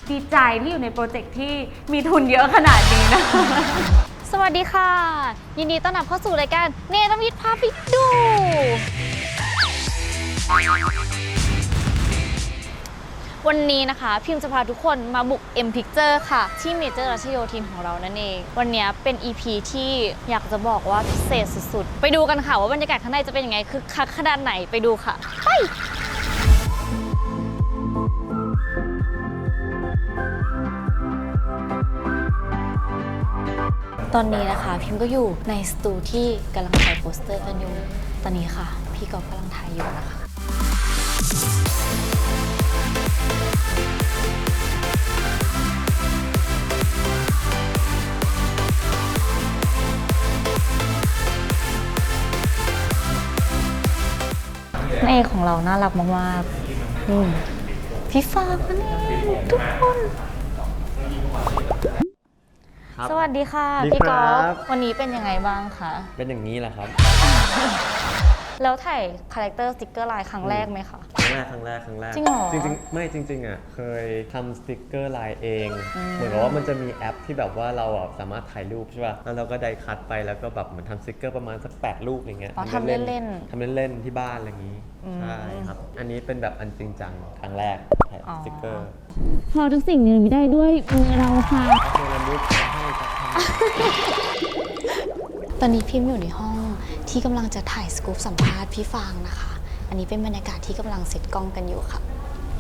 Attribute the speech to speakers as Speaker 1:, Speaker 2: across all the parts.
Speaker 1: ดีใจที่อยู่ในโปรเจกต์ที่มีทุนเยอะขนาดนี้นะ
Speaker 2: สวัสดีค่ะ ยินดีต้อนรับเข้าสู่รายการเนรมิตพาไปดู วันนี้นะคะพิมพ์จะพาทุกคนมาบุก M Picture ค่ะ ที่เมเจอร์รัชโยธินของเรานั่นเอง วันนี้เป็น EP ที่อยากจะบอกว่าพิเศษสุดๆ ไปดูกันค่ะว่าบรรยากาศข้างในจะเป็นยังไงคือคักขนาดไหนไปดูค่ะไปตอนนี้นะคะพิมก็อยู่ในสตูที่กำลังถ่ายโปสเตอร์กันอยู่ตอนนี้ค่ะพี่กอล์ฟกำลังถ่ายอยู่นะคะนางเอกของเราน่ารักมากๆพี่ฟางนั่นเองทุกคนสวัสดีค่ะพี่กอล์ฟวันนี้เป็นยังไงบ้างคะ
Speaker 3: เป็นอย่างนี้แหละครับ
Speaker 2: แล้วถ่ายคาแรคเตอร์สติ๊กเกอร์ลายครั้งแรกไหมคะ
Speaker 3: ครั้งแรก
Speaker 2: จริงเหรอ
Speaker 3: จริงๆอ่ะเคยทำสติกเกอร์ลายเองเหมือนกับว่ามันจะมีแอปที่แบบว่าเราสามารถถ่ายรูปใช่ป่ะแล้วเราก็ได้คัดไปแล้วก็แบบเหมือนทำสติกเกอร์ประมาณสัก8รูปอย่างเงี้ย
Speaker 2: ทำเล่น
Speaker 3: ทำเล่นๆที่บ้านอะไรอย่างงี้ใช่ครับอันนี้เป็นแบบอันจริงจังครั้งแรกถ่ายสติกเกอร์
Speaker 4: พอทุกสิ่งเนรมิตได้ด้วยมือเราค่ะ
Speaker 3: เนรมิตให้ครับ
Speaker 2: ตอนนี้พิมพ์อยู่ในห้องที่กำลังจะถ่ายสกู๊ปสัมภาษณ์พี่ฟางนะคะ อันนี้เป็นบรรยากาศที่กำลังเซตกล้องกันอยู่ค่ะ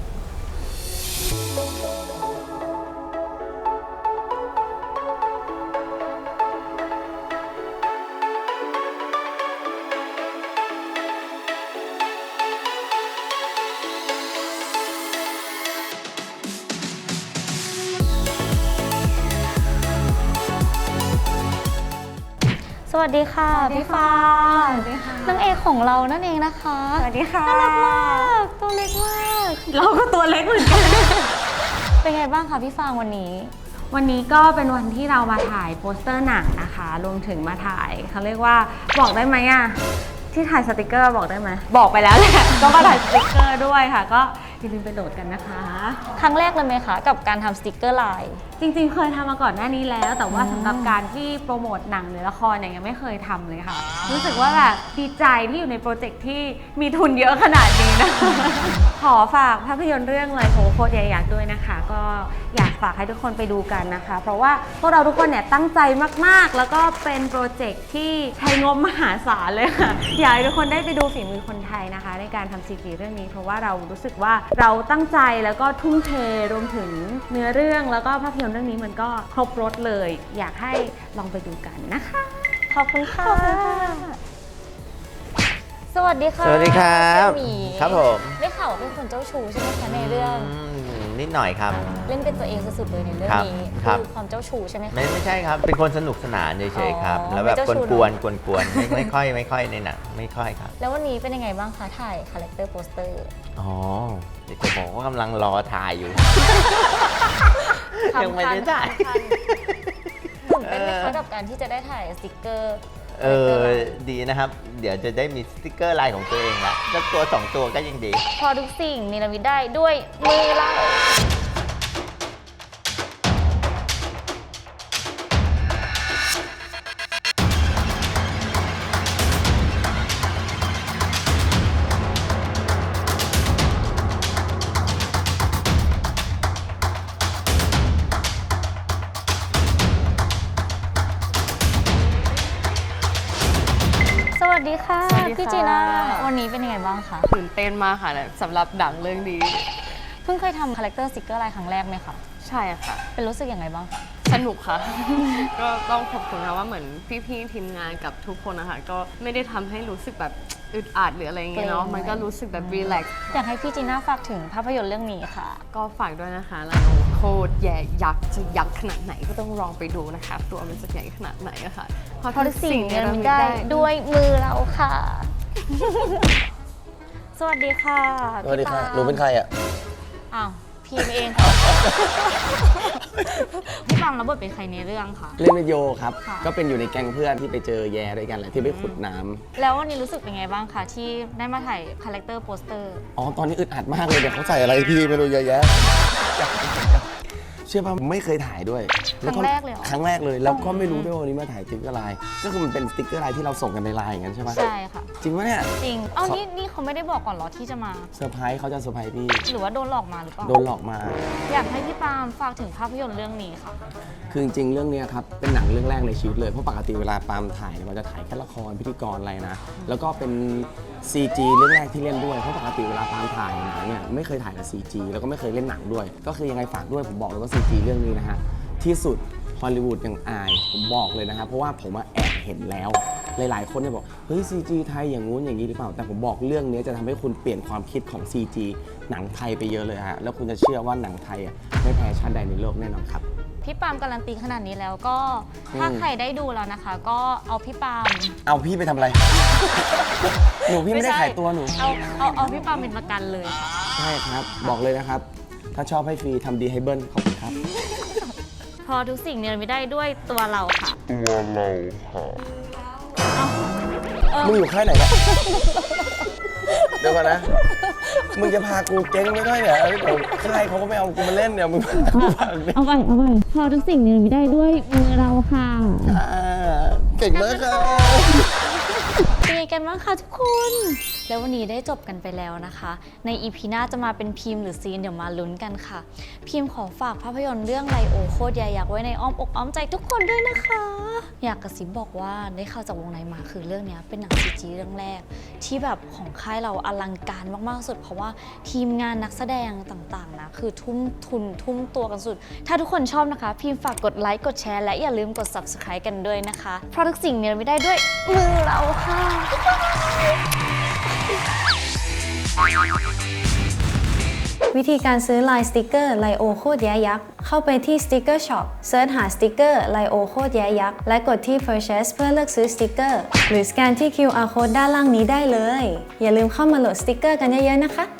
Speaker 2: สวัสดีค่ะพี่ฟางนางเอกของเรานั่นเองนะคะ
Speaker 1: สวัสดีค่ะ
Speaker 2: น่ารักมากตัวเล็กมาก
Speaker 1: เราก็ตัวเล็กเหมือนกัน
Speaker 2: เป็นไงบ้างคะพี่ฟางวันนี้
Speaker 1: วันนี้ก็เป็นวันที่เรามาถ่ายโปสเตอร์หนังนะคะรวมถึงมาถ่ายเขาเรียกว่าบอกได้ไหมอะที่ถ่ายสติกเกอร์บอกได้ไหมบอกไปแล้วแหละ ก็มาถ่ายสติกเกอร์ด้วยค่ะก็อย่าลืมไปโหลดกันนะคะ
Speaker 2: ครั้งแรกเลยไหมคะกับการทำสติกเกอร์ลาย
Speaker 1: จริงๆเคยทำมาก่อนหน้านี้แล้วแต่ว่าสำหรับการที่โปรโมทหนังหรือละครเนี่ยยังไม่เคยทำเลยค่ะรู้สึกว่าแบบดีใจที่อยู่ในโปรเจกต์ที่มีทุนเยอะขนาดนี้นะ ขอฝากภาพยนตร์เรื่องเลยโหโคตรใหญ่อยากด้วยนะคะก็อยากฝากให้ทุกคนไปดูกันนะคะเพราะว่าพวกเราทุกคนเนี่ยตั้งใจมากๆแล้วก็เป็นโปรเจกต์ที่ใช้งบมหาศาลเลยค่ะอยากให้ทุกคนได้ไปดูฝีมือคนไทยนะคะในการทำซีรีส์เรื่องนี้เพราะว่าเรารู้สึกว่าเราตั้งใจแล้วก็ทุ่มเทรวมถึงเนื้อเรื่องแล้วก็ภาพยนตร์เรื่องนี้มันก็ครบรสเลยอยากให้ลองไปดูกันนะคะ
Speaker 2: ขอบคุณค่ะสวัสดีค่ะ
Speaker 5: สวัสดีครับครับผม
Speaker 2: ได้ข่าวว่าเป็นคนเจ้าชู้ใช่ไหมคะในเรื่อง
Speaker 5: นิดหน่อยครับ
Speaker 2: เล่นเป็นตัวเองสุดๆเลยในเรื่องนี้คือความเจ้าชู้ใช่ไหมคะ
Speaker 5: ไม่ใช่ครับเป็นคนสนุกสนานเฉยๆครับแล้วแบบกวนๆไม่ค่อยในหนังไม่ค่อยครับ
Speaker 2: แล้ววันนี้เป็นยังไงบ้างคะถ่ายคาแรคเตอร์โปสเตอร์
Speaker 5: อ๋อเดี๋ยวจะบอกว่ากำลังรอถ่ายอยู่ยังไม่ได้ถ่าย
Speaker 2: ตื่นเต้นไหมคะกับการที่จะได้ถ่ายสติกเกอร์
Speaker 5: ดีนะครับเดี๋ยวจะได้มีสติกเกอร์ลายของตัวเองละสักตัว2ตัวก็ยังดี
Speaker 2: พอทุกสิ่งเนรมิตได้ด้วยมือเราสวัสดีค่ะพี่จีน่าวันนี้เป็นยังไงบ้างคะ
Speaker 6: ตื่นเต้นมากค่ะสำหรับหนังเรื่องนี้
Speaker 2: เพิ่งเคยทำคาแรคเตอร์สติกเกอร์ลายครั้งแรกไหมคะ
Speaker 6: ใช่ค่ะ
Speaker 2: เป็นรู้สึกยังไงบ้างคะ
Speaker 6: สนุกค่ะ ก็ต้องขอบคุณนะว่าเหมือนพี่ๆทีมงานกับทุกคนนะคะก็ไม่ได้ทำให้รู้สึกแบบอึดอัดหรืออะไรอย่างเงี้ยเนาะมันก็รู้สึกแบบรีแลกซ์
Speaker 2: อยากให้พี่จีน่าฝากถึงภาพยนตร์เรื่องนี้ค่ะ
Speaker 6: ก็ฝากด้วยนะคะเราโคตรใหญ่ยักษ์จะยักษ์ขนาดไหนก็ต้องลองไปดูนะคะตัวมันจะใหญ่ขนาดไหนอะค่ะ
Speaker 2: เพราะทุกสิ่งเนรมิตได้ด้วยมือเราค่ะ สวัสดีค่ะ
Speaker 5: สวัสดีค่ะหนูเป็นใครอ่ะ
Speaker 2: อ้าวพีมเองค่ะพี่ฟังรับบทเป็นใครในเรื่องคะ
Speaker 7: เล่นเป็นโยครับก็เป็นอยู่ในแก๊งเพื่อนที่ไปเจอแย่ด้วยกันแหละที่ไปขุดน้ำ
Speaker 2: แล้ววันนี้รู้สึกเป็นไงบ้างคะที่ได้มาถ่ายคาแรคเตอร์โปสเตอร์
Speaker 7: อ๋อตอนนี้อึดอัดมากเลยเดี๋ยวเขาใส่อะไรพี่ไม่รู้เยอะแยะเชื่อป่ะไม่เคยถ่ายด้วย
Speaker 2: ครั้งแรกเลยเหรอ
Speaker 7: ครั้งแรกเลยแล้วก็ไม่รู้ด้วยว่าวันนี้มาถ่ายสติ๊กเกอร์ไลน์ก็คือมันเป็นสติ๊กเกอร์ไลน์ที่เราส่งกันในไลน์อย่างนั้นใช่ปะ
Speaker 2: ใช่ค่ะ
Speaker 7: จริงปะเนี่ย
Speaker 2: จริง เอ้านี่เขาไม่ได้บอกก่อนเหรอที่จะมา
Speaker 7: เซอร์ไพรส์เขาจะเซอร์ไพรส์พี่
Speaker 2: หรือว่าโดนหลอกมาหรือเปล่า
Speaker 7: โดนหลอกมา
Speaker 2: อยากให้พี่ปาล์มฝากถึงภาพยนตร์เรื่องนี้ค่ะ
Speaker 7: คือจริงๆ เรื่องเนี้ยครับเป็นหนังเรื่องแรกในชีวิตเลยเพราะปกติเวลาปาล์มถ่ายเนี่ยมันจะถ่ายแค่ละครพิธีกรอะไรนะแล้วก็เป็น CG เรื่องแรกที่เล่นด้วยเพราะปกติเวลาปาล์มถ่ายหนังเนี่ยไม่เคยถ่ายกับ CG แล้วก็ไม่เคยเล่นหนังด้วย ก็คือยังไงฝากด้วยผมบอกเลยว่า CG เรื่องนี้นะฮะที่สุดฮอลลีวูดยังอายผมบอกเลยนะครับเพราะว่าผมแอบเห็นแล้วหลายๆคนเนี่ยบอกเฮ้ย CG ไทยอย่างงู้นอย่างนี้หรือเปล่าแต่ผมบอกเรื่องนี้จะทำให้คุณเปลี่ยนความคิดของ CG หนังไทยไปเยอะเลยฮะแล้วคุณจะเชื่อว่าหนังไทยไม่แพ้ชาติใดในโลกแน่นอนครับ
Speaker 2: พี่ปาล์มการันตีขนาดนี้แล้วก็ถ้าใครได้ดูแล้วนะคะ ก็เอาพี่ปาล์ม
Speaker 7: เอาพี่ไปทำอะไร หนูพี่ไม่ได้ขายตัวหนู
Speaker 2: เอาพี่ปาล์มเป็นประกันเลยค่ะ
Speaker 7: ใช่ครับ บอกเลยนะครับ ถ้าชอบให้ฟรีทำดีให้เบิ้ลขอบคุณครับ
Speaker 2: พอทุกสิ่งเนี่ยไม่ได้ด้วยตัวเราค่ะ
Speaker 7: มึงอยู่ค่ายไหนเนี่ย เดี๋ยวก่อนนะ มึงจะพากูเจ๊งไม่ได้เนี่ยเดี๋ยวค่ายเขาก็ไม่เอากูมาเล่นเนี่ยมึงพากูเนี่ย
Speaker 4: เอาไปพอทุกสิ่งเนรมิตได้ด้วยมือเราค่ะ
Speaker 7: เก่งมากครับ
Speaker 2: เป็นไงกันบ้างคะทุกคน แล้ววันนี้ได้จบกันไปแล้วนะคะ ในอีพีหน้าจะมาเป็นพิมพ์หรือซีนเดี๋ยวมาลุ้นกันค่ะ พิมพ์ขอฝากภาพยนตร์เรื่องไลโอโคตรยายักษ์ไว้ในอ้อมอกอ้อมใจทุกคนด้วยนะคะ อยากกระซิบบอกว่าได้ข่าวจากวงในมาคือเรื่องนี้เป็นหนังCGเรื่องแรก ที่แบบของค่ายเราอลังการมากๆสุด เพราะว่าทีมงานนักแสดงต่างๆนะคือทุ่มทุนทุ่มตัวกันสุด ถ้าทุกคนชอบนะคะ พิมพ์ฝากกดไลค์กดแชร์และอย่าลืมกด subscribe กันด้วยนะคะเพราะทุกสิ่งเนี่ยไม่ได้ด้วยมือเราค่ะ
Speaker 8: วิธีการซื้อลายสติกเกอร์ไลโอโคตรแย้ยักษ์เข้าไปที่สติกเกอร์ช็อปเซิร์ชหาสติกเกอร์ไลโอโคตรแย้ยักษ์และกดที่ Purchase เพื่อเลือกซื้อสติกเกอร์หรือสแกนที่ QR Code ด้านล่างนี้ได้เลย อย่าลืมเข้ามาโหลดสติกเกอร์กันเยอะๆนะคะ